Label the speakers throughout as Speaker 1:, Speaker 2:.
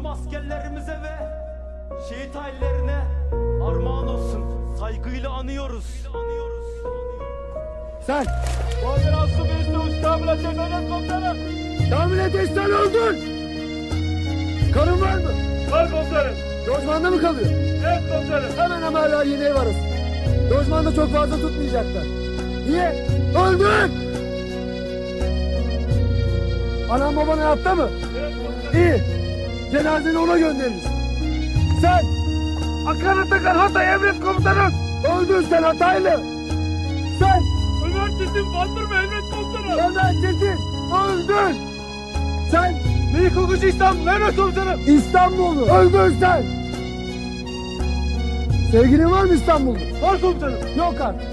Speaker 1: tüm askerlerimize ve şehit ailelerine armağan olsun. Saygıyla anıyoruz.
Speaker 2: Sen!
Speaker 3: Koordinasyon Ministeri Kamil Ateş Öğret Komutanım.
Speaker 2: Kamil Ateş sen öldün! Karın var mı?
Speaker 3: Var komutanım.
Speaker 2: Lojmanda mı kalıyor?
Speaker 3: Evet komutanım.
Speaker 2: Hemen Ömerler yeni ev arası. Lojmanda çok fazla tutmayacaklar. Niye? Öldün! Anam baban hayatta mı?
Speaker 3: Evet komutanım.
Speaker 2: İyi. Cenazeni ona göndeririz. Sen!
Speaker 3: Hakan Atakan Hatay Emret Komutanım.
Speaker 2: Öldün sen Hataylı! Sen!
Speaker 3: Ömer Çetin Bandırma Emret Komutanım.
Speaker 2: Ömer Çetin! Öldün! Sen!
Speaker 3: Melik Okucu İstanbul Emret Komutanım.
Speaker 2: İstanbullu! Öldün sen! Sevgilin var mı İstanbul'da?
Speaker 3: Var komutanım.
Speaker 2: Yok artık.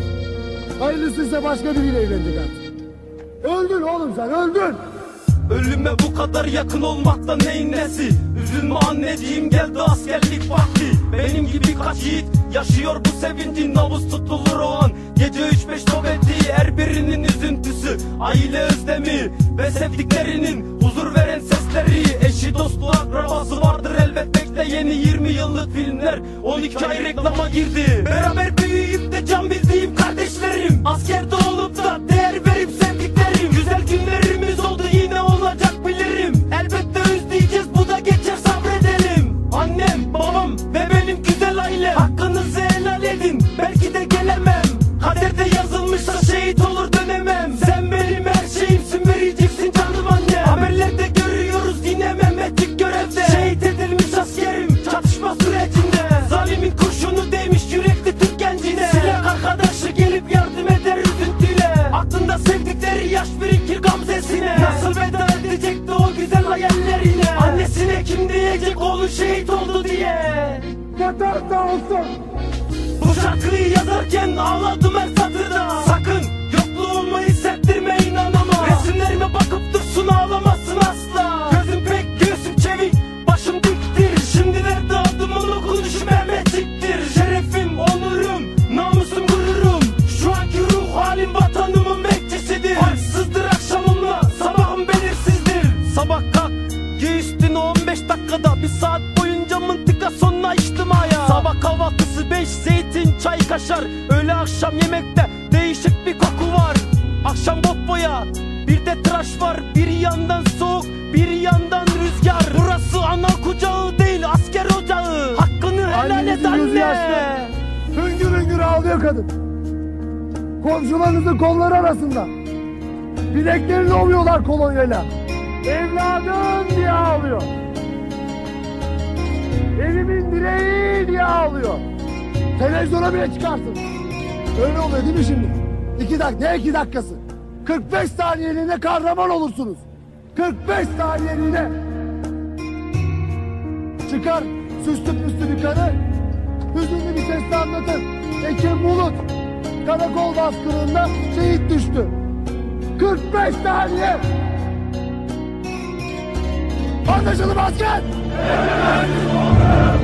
Speaker 2: Hayırlısıysa başka biriyle evlenecek artık. Öldün oğlum sen, öldün!
Speaker 1: Ölüme bu kadar yakın olmaktan neyin nesi? Üzülme anneciğim, geldi askerlik vakti. Benim gibi kaç yiğit yaşıyor bu sevincin. Nabız tutulur o an, gece 3-5 nöbeti. Her birinin üzüntüsü, aile özlemi ve sevdiklerinin huzur veren sesleri. Eşi dostu akrabası vardır elbet, bekle yeni 20 yıllık filmler 12 ay reklama girdi. Beraber büyüyüp de can bildiğim kardeşlerim, askerde olup da değer verip sevdiklerim. Güzel günlerimiz oldu, yine olacak bilirim. Elbette özleyeceğiz, bu da geçer, sabredelim. Annem, babam ve benim güzel aile, hakkınızı helal edin, belki de gelemem. Kaderde yazılmışsa şehit olur dönemem. Sen benim her şeyimsin, vereceksin canım anne. Haberlerde görüyoruz yine Mehmetçik görevde. Şehit edilmiş askerim çatışma sürecinde. Zalimin kurşunu değmiş yürekli Türk gencine. Silah arkadaşı gelip yardım eder üzüntüyle. Aklında sevdikleri yaş birikir gamzesine. Nasıl veda edecekti o güzel hayallerine. Annesine kim diyecek oğlu şehit oldu diye.
Speaker 2: Vatan sağ olsun!
Speaker 1: Bu şarkıyı yazarken ağladım her satırda. Sakın yokluğumu hissettirme, inanamam. Resimlerime bakıp dursun, ağlamasın asla. Gözüm pek, göğsüm çevik, başım diktir. Şimdilerde adımın okunuşu Mehmetçiktir. Şerefim, onurum, namusum, gururum. Şu anki ruh halim vatanımın bekçisidir. Harçsızdır akşamımla, sabahım belirsizdir. Sabah kalk, giy üstünü 15 dakikada. Bir saat boyunca mıntıka sonuna içtimaya. Sabah kahvaltısı 5 zeytin, çay, kaşar. Öğle akşam yemekte değişik bir koku var. Akşam bot boya, bir de tıraş var. Bir yandan soğuk, bir yandan rüzgar. Burası ana kucağı değil, asker ocağı. Hakkını helal et
Speaker 2: Annemizin gözü
Speaker 1: anne.
Speaker 2: yaşlı. Hüngür hüngür ağlıyor kadın. Komşularınızın kolları arasında. Bileklerini ovuyorlar kolonyayla. Evladım diye ağlıyor. Evimin direği diye ağlıyor. Televizyona bile çıkarsın. Öyle oluyor değil mi şimdi? 2 dakika, ne 2 dakikası? 45 saniyeliğine kahraman olursunuz. 45 saniyeliğine. Çıkar süslü püslü bir karı, hüzünlü bir sesle anlatır. Ekim Bulut karakol baskınında şehit düştü. 45 saniye. Anlaşıldı mı asker?